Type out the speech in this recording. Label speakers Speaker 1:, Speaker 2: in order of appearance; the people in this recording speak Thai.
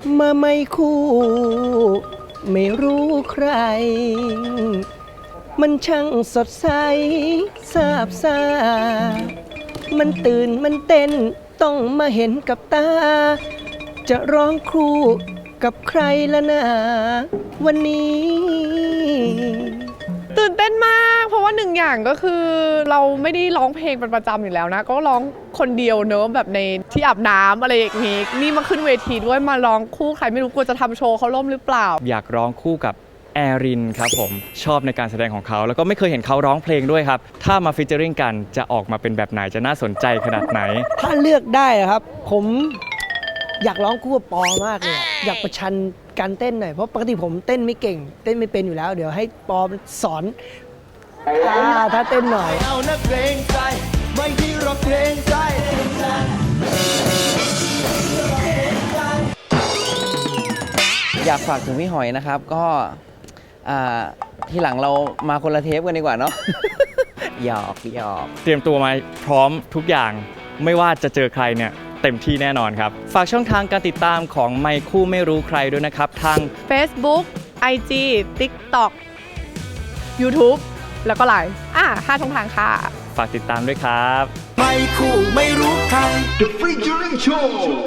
Speaker 1: มาไม่คู่ไม่รู้ใคร มันช่างสดใสซาบซ่ามันตื่นมันเต้นต้องมาเห็นกับตา จะร้องคู่กับใครละนะวันนี้
Speaker 2: ตื่นเต้นมากเพราะว่าหนึ่งอย่างก็คือเราไม่ได้ร้องเพลงเป็นประจำอยู่แล้วนะก็ร้องคนเดียวเนอะแบบในที่อาบน้ำอะไรอย่างงี้นี่มาขึ้นเวทีด้วยมาร้องคู่ใครไม่รู้กลัวจะทำโชว์เขาล่มหรือเปล่า
Speaker 3: อยากร้องคู่กับแอรินครับผมชอบในการแสดงของเขาแล้วก็ไม่เคยเห็นเขาร้องเพลงด้วยครับถ้ามาฟีเจอริงกันจะออกมาเป็นแบบไหนจะน่าสนใจขนาดไหน
Speaker 1: ถ้าเลือกได้นะครับผมอยากร้องคู่กับปอมากเลยอยากประชันการเต้นหน่อยเพราะปกติผมเต้นไม่เก่งเต้นไม่เป็นอยู่แล้วเดี๋ยวให้ปอสอนถ้าเต้นหน่อยเอานักเกรงใจไม่ที่รักเกรงใจ
Speaker 4: อยากฝากถึงพี่หอยนะครับก็ที่หลังเรามาคนละเทปกันดีกว่าเนาะ หยอก
Speaker 3: เตรียมตัวมาพร้อมทุกอย่างไม่ว่าจะเจอใครเนี่ยเต็มที่แน่นอนครับฝากช่องทางการติดตามของไมค์คู่ไม่รู้ใครด้วยนะครับทาง
Speaker 2: Facebook IG TikTok YouTube แล้วก็ไลน์5 ช่องทางค่ะ
Speaker 3: ฝากติดตามด้วยครับ
Speaker 1: ไมค์คู่ไม่รู้ใคร The Featuring Show